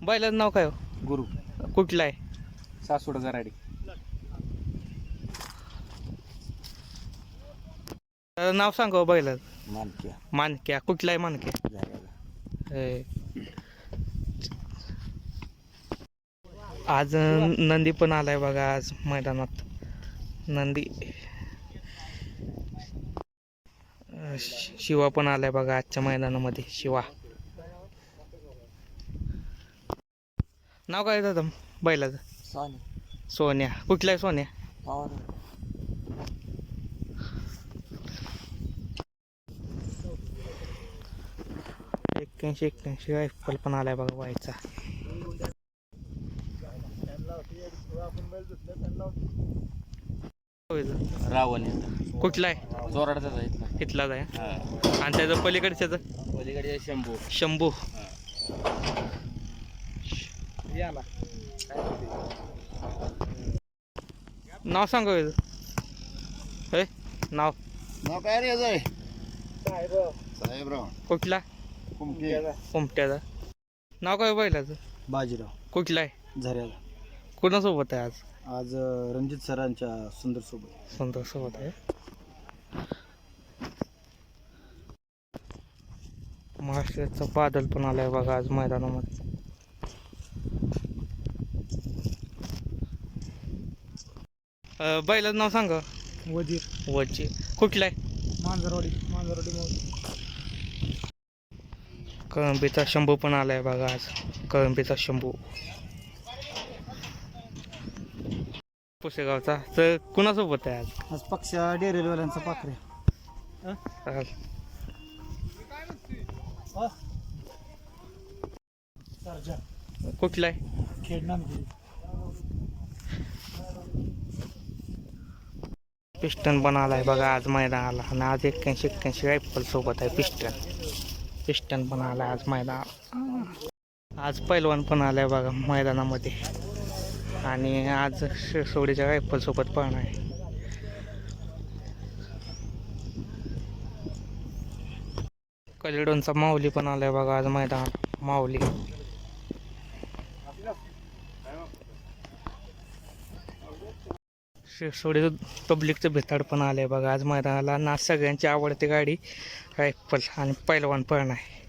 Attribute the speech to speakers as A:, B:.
A: बैलाचं नाव काय हो?
B: गुरु
A: कुठलं आहे?
B: सासवड गराडी.
A: नाव सांगा हो बैलाचं.
B: मानक्या
A: मानक्या. कुठला आहे मानक्या?
B: झाला.
A: हे. आज नंदी पण आलाय बघा आज मैदानात. नंदी शिवा पण आलाय बघा आजच्या मैदानामध्ये. शिवा नाव काय दादा बैलाचं?
B: साने
A: सोन्या. कुठला आहे सोन्या?
B: पवार.
A: 81 रायफल पण आलाय बघा व्हायचा.
B: रावण
A: कुठला आहे?
B: जोराडचा जायचं.
A: इथलाच आहे. आणि त्याचं पलीकडच्याच
B: पलीकडे शंभू.
A: शंभू. नाव सांगा हे नाव.
B: नाव काय रे याचं? साहेबराव.
A: कुठला? कोमट्याचा. नाव काय बैलाचं?
B: बाजीराव.
A: कुठला आहे?
B: झऱ्याला.
A: कोणासोबत आहे आज?
B: आज रणजित सरांच्या सुंदर सोबत.
A: सुंदर सोबत आहे. महाराष्ट्राचा बादल पण आलाय बघा आज मैदानामध्ये. बैलाचं नाव सांगा.
B: वजीर.
A: वरची. कुठला आहे?
B: मांजरवाडी.
A: कळंबीचा शंभू पण आलाय बघा आज. कळंबीचा शंभू. पुसेगावचा. तर कुणासोबत आहे आज?
B: आज पक्ष डेरेलवाल्यांचा पाखरे.
A: कुठला आहे?
B: खेळणार.
A: पिस्टन पण आलाय बघा आज मैदानाला. आणि आज 81 रायफल सोबत आहे पिस्टन पण आलाय आज मैदानाला. आज पैलवान पण आलाय बघा मैदानामध्ये. आणि आज शिरसोडीच्या रायफल सोबत पण आहे. कलिडोनचा माऊली पण आलाय बघा आज मैदानात. माऊली. शिरसोडी पब्लिकचं भिताड पण आलंय बघा आज मैदानाला. ना सगळ्यांची आवडती गाडी रायफल आणि पैलवान पण आहे.